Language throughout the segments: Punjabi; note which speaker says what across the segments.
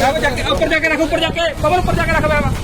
Speaker 1: ऊपर जाके रख, ऊपर जाके कवर ऊपर जाके रख बैग।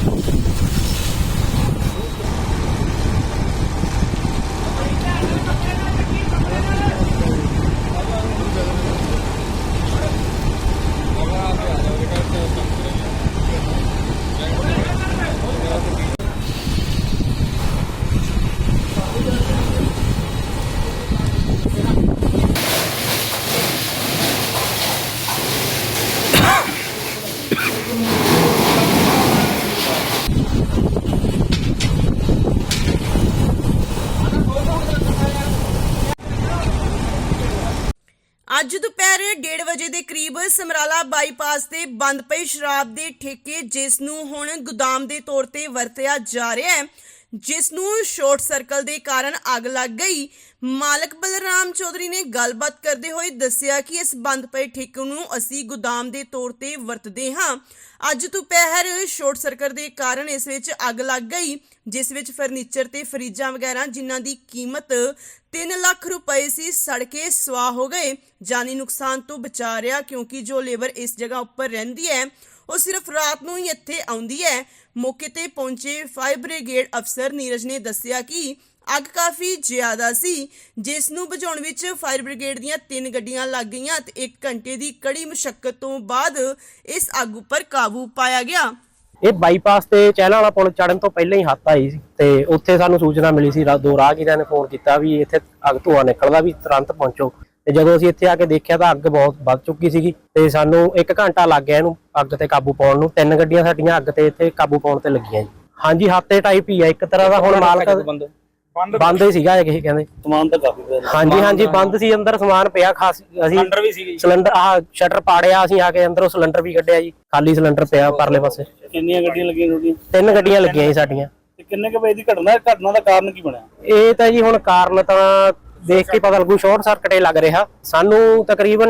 Speaker 2: ਅੱਜ ਦੁਪਹਿਰ 1:30 ਵਜੇ ਦੇ ਕਰੀਬ ਸਮਰਾਲਾ ਬਾਈਪਾਸ ਤੇ ਬੰਦ ਪਈ ਸ਼ਰਾਬ ਦੇ ਠੇਕੇ ਜਿਸ ਨੂੰ ਹੁਣ ਗੋਦਾਮ ਦੇ ਤੌਰ ਤੇ ਵਰਤਿਆ ਜਾ ਰਿਹਾ ਹੈ, ਜਿਸ ਨੂੰ ਸ਼ਾਰਟ ਸਰਕਲ ਦੇ ਕਾਰਨ ਅੱਗ ਲੱਗ ਗਈ। ਮਾਲਕ ਬਲਰਾਮ ਚੌਧਰੀ ਨੇ ਗੱਲਬਾਤ ਕਰਦੇ ਹੋਏ ਦੱਸਿਆ ਕਿ ਇਸ ਬੰਦ ਪਏ ਠੇਕੇ ਨੂੰ ਅਸੀਂ ਗੋਦਾਮ ਦੇ ਤੌਰ ਤੇ ਵਰਤਦੇ ਹਾਂ। ਅੱਜ ਦੁਪਹਿਰ ਸ਼ਾਰਟ ਸਰਕਟ ਦੇ ਕਾਰਨ ਇਸ ਵਿੱਚ ਅੱਗ ਲੱਗ ਗਈ, ਜਿਸ ਵਿੱਚ ਫਰਨੀਚਰ ਤੇ ਫਰਿੱਜਾਂ ਵਗੈਰਾ ਜਿਨ੍ਹਾਂ ਦੀ ਕੀਮਤ 3 ਲੱਖ रुपए ਸੀ ਸੜ ਕੇ ਸਵਾਹ ਹੋ ਗਏ। ਜਾਨੀ ਨੁਕਸਾਨ ਤੋਂ ਬਚਾ ਰਿਹਾ ਕਿਉਂਕਿ ਜੋ ਲੇਬਰ ਇਸ ਜਗ੍ਹਾ ਉੱਪਰ ਰਹਿੰਦੀ ਹੈ ਉਹ ਸਿਰਫ ਰਾਤ ਨੂੰ ਹੀ ਇੱਥੇ ਆਉਂਦੀ ਹੈ। ਮੌਕੇ ਤੇ ਪਹੁੰਚੇ ਫਾਇਰ ਬ੍ਰਿਗੇਡ ਅਫਸਰ ਨੀਰਜ ਨੇ ਦੱਸਿਆ ਕਿ ਅੱਗ ਕਾਫੀ ਜ਼ਿਆਦਾ ਸੀ, ਜਿਸ ਨੂੰ ਬੁਝਾਉਣ ਵਿੱਚ ਫਾਇਰ ਬ੍ਰਿਗੇਡ ਦੀਆਂ 3 ਗੱਡੀਆਂ ਲੱਗ ਗਈਆਂ ਤੇ 1 ਘੰਟੇ ਦੀ ਕੜੀ ਮੁਸ਼ੱਕਤ ਤੋਂ ਬਾਅਦ ਇਸ ਅੱਗ ਉੱਪਰ ਕਾਬੂ ਪਾਇਆ ਗਿਆ।
Speaker 3: ਇਹ ਬਾਈਪਾਸ ਤੇ ਚਹਿਲਾਂ ਵਾਲਾ ਪੁਲ ਚੜਨ ਤੋਂ ਪਹਿਲਾਂ ਹੀ ਹੱਥ ਆਈ ਸੀ ਤੇ ਉੱਥੇ ਸਾਨੂੰ ਸੂਚਨਾ ਮਿਲੀ ਸੀ। ਦੋ ਰਾਹਗੀਰਾਂ ਨੇ ਫੋਨ ਕੀਤਾ ਵੀ ਇੱਥੇ ਅੱਗ ਧੂਆਂ ਨਿਕਲਦਾ, ਵੀ ਤੁਰੰਤ ਪਹੁੰਚੋ। ਤੇ ਜਦੋਂ ਅਸੀਂ ਇੱਥੇ ਆ ਕੇ ਦੇਖਿਆ ਤਾਂ ਅੱਗ ਬਹੁਤ ਵੱਧ ਚੁੱਕੀ ਸੀਗੀ ਤੇ ਸਾਨੂੰ 1 ਘੰਟਾ ਲੱਗ ਗਿਆ ਇਹਨੂੰ ਅੱਗ ਤੇ ਕਾਬੂ ਪਾਉਣ ਨੂੰ। 3 ਗੱਡੀਆਂ ਸਾਡੀਆਂ ਅੱਗ ਤੇ ਇੱਥੇ ਕਾਬੂ ਪਾਉਣ ਤੇ ਲੱਗੀਆਂ ਜੀ। ਹਾਂਜੀ, ਹੱਥੇ ਟਾਈਪ ਹੀ ਆ ਇੱਕ ਤਰ੍ਹਾਂ ਦਾ। ਹੁਣ ਮਾਲਕ ਬੰਦ ਹੀ ਸੀਗਾ ਇਹ ਕਹਿੰਦੇ।
Speaker 4: ਸਮਾਨ ਤਾਂ ਕਾਫੀ ਪਿਆ।
Speaker 3: ਹਾਂਜੀ ਬੰਦ ਸੀ, ਅੰਦਰ ਸਮਾਨ ਪਿਆ ਖਾਸ। ਅਸੀਂ
Speaker 4: ਸਿਲੰਡਰ ਵੀ ਸੀਗੇ,
Speaker 3: ਸਿਲੰਡਰ ਸ਼ਟਰ ਪਾੜਿਆ, ਅਸੀਂ ਆ ਕੇ ਅੰਦਰੋਂ ਸਿਲੰਡਰ ਵੀ ਕੱਢਿਆ ਜੀ। ਖਾਲੀ ਸਿਲੰਡਰ ਪਿਆ ਪਰਲੇ ਪਾਸੇ।
Speaker 4: ਕਿੰਨੀਆਂ ਗੱਡੀਆਂ ਲੱਗੀਆਂ ਤੁਹਾਡੀਆਂ?
Speaker 3: 3 ਗੱਡੀਆਂ ਲੱਗੀਆਂ ਜੀ ਸਾਡੀਆਂ।
Speaker 4: ਤੇ ਕਿੰਨੇ ਕੁ ਵਜੇ ਦੀ ਘਟਨਾ ਦਾ ਕਾਰਨ ਕੀ ਬਣਿਆ?
Speaker 3: ਇਹ ਤਾਂ ਜੀ ਹੁਣ ਕਾਰਨ ਤਾਂ ਦੇਖ ਕੇ ਪਤਾ ਲੱਗੂ। ਸ਼ਾਰਟ ਸਰਕਟ ਹੀ ਲੱਗ ਰਿਹਾ ਸਾਨੂੰ। ਤਕਰੀਬਨ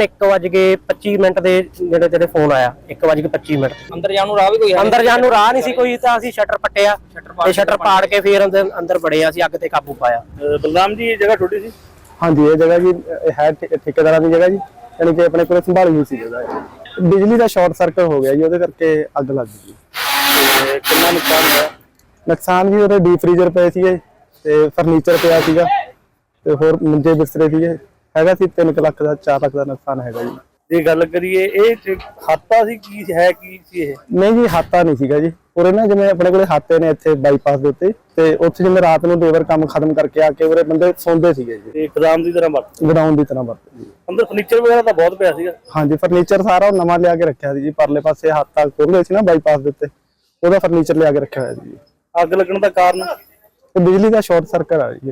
Speaker 3: 1:25 ਦੇ ਜਿਹੜੇ ਫੋਨ ਆਇਆ। 1:25
Speaker 1: अंदर जाने राह भी कोई है?
Speaker 3: ਅੰਦਰ ਜਾਣ ਨੂੰ ਰਾਹ ਨਹੀਂ ਸੀ ਕੋਈ, ਤਾਂ ਅਸੀਂ ਸ਼ਟਰ ਪੱਟਿਆ ਤੇ ਸ਼ਟਰ ਪਾੜ ਕੇ ਫਿਰ ਅੰਦਰ ਬੜੇ ਅਸੀਂ ਅੱਗ ਤੇ ਕਾਬੂ ਪਾਇਆ।
Speaker 4: ਬਲਰਾਮ ਜੀ, ਇਹ ਜਗ੍ਹਾ ਤੁਹਾਡੀ ਸੀ?
Speaker 5: ਹਾਂਜੀ, ਇਹ ਜਗ੍ਹਾ ਜੀ ਹੈ ਠੇਕੇਦਾਰਾਂ ਦੀ ਜਗ੍ਹਾ ਜੀ, ਯਾਨੀ ਕਿ ਆਪਣੇ ਕੋਲ ਸੰਭਾਲੀ ਹੋਈ ਸੀ ਜਗ੍ਹਾ। ਬਿਜਲੀ ਦਾ ਸ਼ਾਰਟ ਸਰਕਟ ਹੋ ਗਿਆ ਜੀ, ਉਹਦੇ ਕਰਕੇ ਅੱਗ ਲੱਗ ਗਈ।
Speaker 4: ਕਿੰਨਾ ਨੁਕਸਾਨ ਹੋਇਆ?
Speaker 5: ਨੁਕਸਾਨ ਵੀ ਉਹਦੇ ਡੀਪ ਫ੍ਰੀਜ਼ਰ ਪਏ ਸੀਗੇ ਤੇ ਫਰਨੀਚਰ ਪਿਆ ਸੀਗਾ ਤੇ ਹੋਰ ਮੰਜੇ ਬਿਸਤਰੇ ਸੀਗੇ। ਹੈਗਾ ਸੀ 3 ਲੱਖ ਦਾ 4 ਲੱਖ ਦਾ ਨੁਕਸਾਨ ਹੈਗਾ ਜੀ।
Speaker 4: ਜੇ ਗੱਲ ਕਰੀਏ ਇਹ ਹਾਤਾ ਸੀ ਕੀ ਹੈ, ਕੀ ਸੀ ਇਹ?
Speaker 5: ਨਹੀਂ ਜੀ, ਹਾਤਾ ਨਹੀਂ ਸੀਗਾ ਜੀ। ਉਰੇ ਨਾ ਜਿਵੇਂ ਆਪਣੇ ਕੋਲੇ ਹਾਤੇ ਨੇ ਇੱਥੇ ਬਾਈਪਾਸ ਦੇ ਉੱਤੇ, ਤੇ ਉੱਥੇ ਜਿਵੇਂ ਰਾਤ ਨੂੰ ਲੇਬਰ ਕੰਮ ਖਤਮ ਕਰਕੇ ਆ ਕੇ ਉਰੇ ਬੰਦੇ ਸੌਂਦੇ ਸੀਗੇ ਜੀ।
Speaker 4: ਤੇ ਗੋਦਾਮ ਦੀ ਤਰ੍ਹਾਂ ਵਰਤ
Speaker 5: ਗਰਾਊਂਡ ਦੀ ਤਰ੍ਹਾਂ ਵਰਤੇ ਜੀ।
Speaker 4: ਅੰਦਰ ਫਰਨੀਚਰ ਵਗੈਰਾ ਤਾਂ ਬਹੁਤ ਪਿਆ ਸੀਗਾ।
Speaker 5: ਹਾਂਜੀ, ਫਰਨੀਚਰ ਸਾਰਾ ਨਵਾਂ ਲਿਆ ਕੇ ਰੱਖਿਆ ਸੀ ਜੀ। ਪਰਲੇ ਪਾਸੇ ਹਾਤਾ ਖੋਲ੍ਹੇ ਸੀ ਨਾ ਬਾਈਪਾਸ ਦੇ ਉੱਤੇ, ਉਹਦਾ ਫਰਨੀਚਰ ਲਿਆ ਕੇ ਰੱਖਿਆ ਹੋਇਆ ਸੀ ਜੀ।
Speaker 4: ਅੱਗ ਲੱਗਣ ਦਾ ਕਾਰਨ?
Speaker 5: ਬਿਜਲੀ ਦਾ ਸ਼ਾਰਟ ਸਰਕਟ ਆ ਜੀ।